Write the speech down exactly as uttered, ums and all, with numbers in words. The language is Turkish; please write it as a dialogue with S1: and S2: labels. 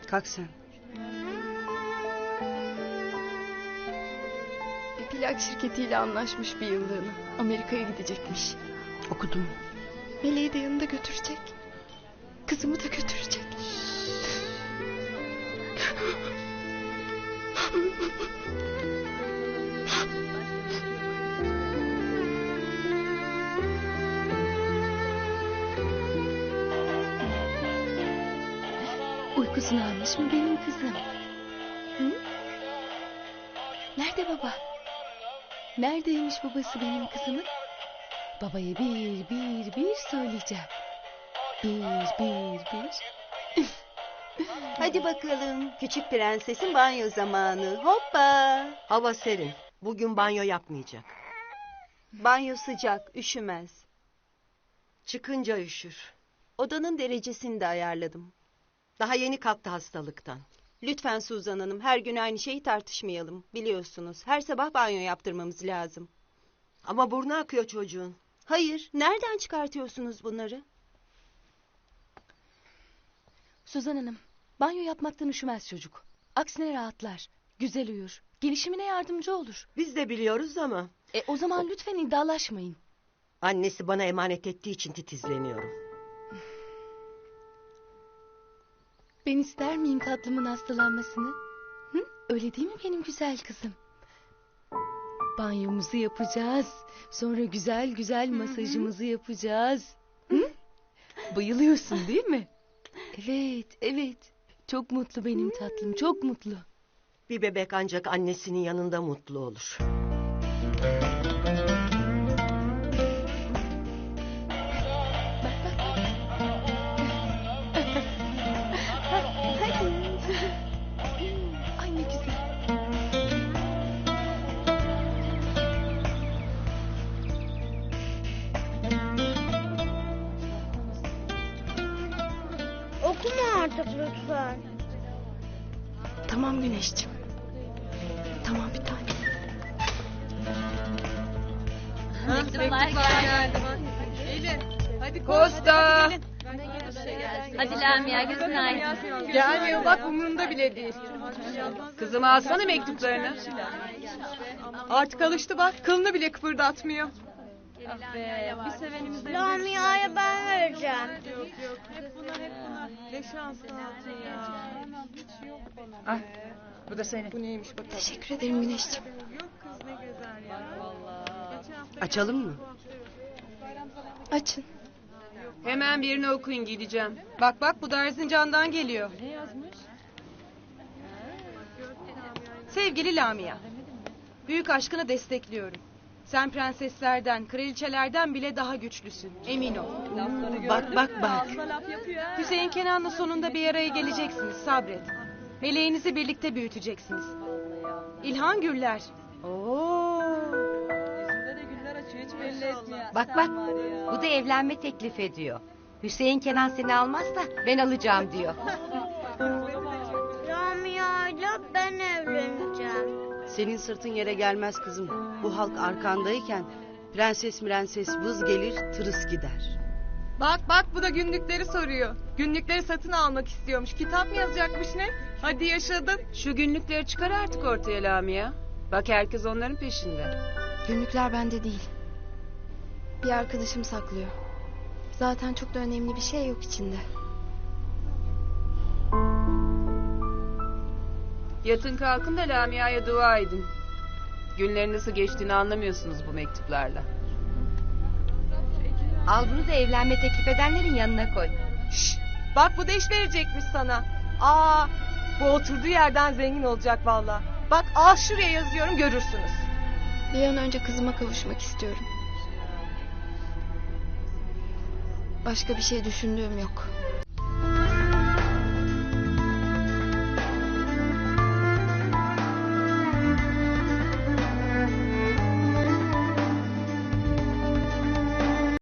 S1: Kalk sen.
S2: Bir plak şirketiyle anlaşmış bir yıllığına. Amerika'ya gidecekmiş.
S1: Okudum.
S2: Meleği de yanında götürecek. Kızımı da götürecek.
S3: Uykusunu almış mı benim kızım? Hı? Nerede baba? Neredeymiş babası benim kızımın? Babaya bir bir bir söyleyeceğim. Bir bir bir.
S4: Hadi bakalım. Küçük prensesin banyo zamanı. Hoppa.
S5: Hava serin. Bugün banyo yapmayacak.
S4: Banyo sıcak, üşümez.
S5: Çıkınca üşür.
S4: Odanın derecesini de ayarladım.
S5: Daha yeni kalktı hastalıktan.
S4: Lütfen Suzan Hanım, her gün aynı şeyi tartışmayalım. Biliyorsunuz, her sabah banyo yaptırmamız lazım.
S5: Ama burnu akıyor çocuğun.
S4: Hayır, nereden çıkartıyorsunuz bunları?
S3: Suzan Hanım, banyo yapmaktan üşümez çocuk. Aksine rahatlar, güzel uyur, gelişimine yardımcı olur.
S5: Biz de biliyoruz ama.
S3: E o zaman lütfen iddialaşmayın.
S5: Annesi bana emanet ettiği için titizleniyorum.
S3: Ben ister miyim tatlımın hastalanmasını? Hı? Öyle değil mi benim güzel kızım? Banyomuzu yapacağız. Sonra güzel güzel masajımızı yapacağız. Hı? Bayılıyorsun değil mi? Evet, evet. Çok mutlu benim tatlım, çok mutlu.
S5: Bir bebek ancak annesinin yanında mutlu olur.
S3: Ay ne güzel.
S6: Okuma artık lütfen.
S2: Tamam Güneşciğim. Tamam bir tane.
S7: Mektuplar geldi.
S8: Gelin. Hadi Kosta.
S7: Hadi Lamia günaydın.
S8: Gelmiyor bak umurumda bile değil. Kızım alsana mektuplarını. Artık alıştı bak kılını bile kıpırdatmıyor.
S7: Bir sevenimiz de
S6: Lamia'ya ben vereceğim.
S8: Yok yok hep buna hep buna. Ne şanslı altın ya. Hiç yok bana.
S1: Ah, bu da senin.
S8: Bu neymiş bakalım.
S2: Teşekkür ederim Güneşciğim.
S8: Yok kız ne güzel ya. Vallahi.
S5: Açalım mı?
S2: Açın.
S8: Hemen birini okuyun gideceğim. Bak bak bu da Erzincan'dan geliyor.
S7: ne yazmış?
S8: Sevgili Lamia. Büyük aşkını destekliyorum. Sen prenseslerden, kraliçelerden bile daha güçlüsün. Emin ol.
S5: Bak bak bak.
S8: Hüseyin Kenan'la sonunda bir araya geleceksiniz. Sabret. Meleğinizi birlikte büyüteceksiniz. İlhan Güller. Oo.
S9: Bak bak, bu da evlenme teklif ediyor. Hüseyin Kenan seni almazsa ben alacağım diyor.
S6: Lamia'yla ben evleneceğim.
S1: Senin sırtın yere gelmez kızım. Bu halk arkandayken prenses prenses vız gelir tırıs gider.
S8: Bak bak bu da günlükleri soruyor. Günlükleri satın almak istiyormuş. Kitap mı yazacakmış ne? Hadi yaşadın.
S10: Şu günlükleri çıkar artık ortaya Lamia. Bak herkes onların peşinde.
S2: Günlükler bende değil. Bir arkadaşım saklıyor. Zaten çok da önemli bir şey yok içinde.
S10: Yatın kalkın da Lamia'ya dua edin. Günlerin nasıl geçtiğini anlamıyorsunuz bu mektuplarla.
S9: Al bunu da evlenme teklif edenlerin yanına koy.
S8: Şşş, bak bu da iş verecekmiş sana. Aa, bu oturduğu yerden zengin olacak valla. Bak al şuraya yazıyorum görürsünüz.
S2: Bir an önce kızıma kavuşmak istiyorum. Başka bir şey düşündüğüm yok.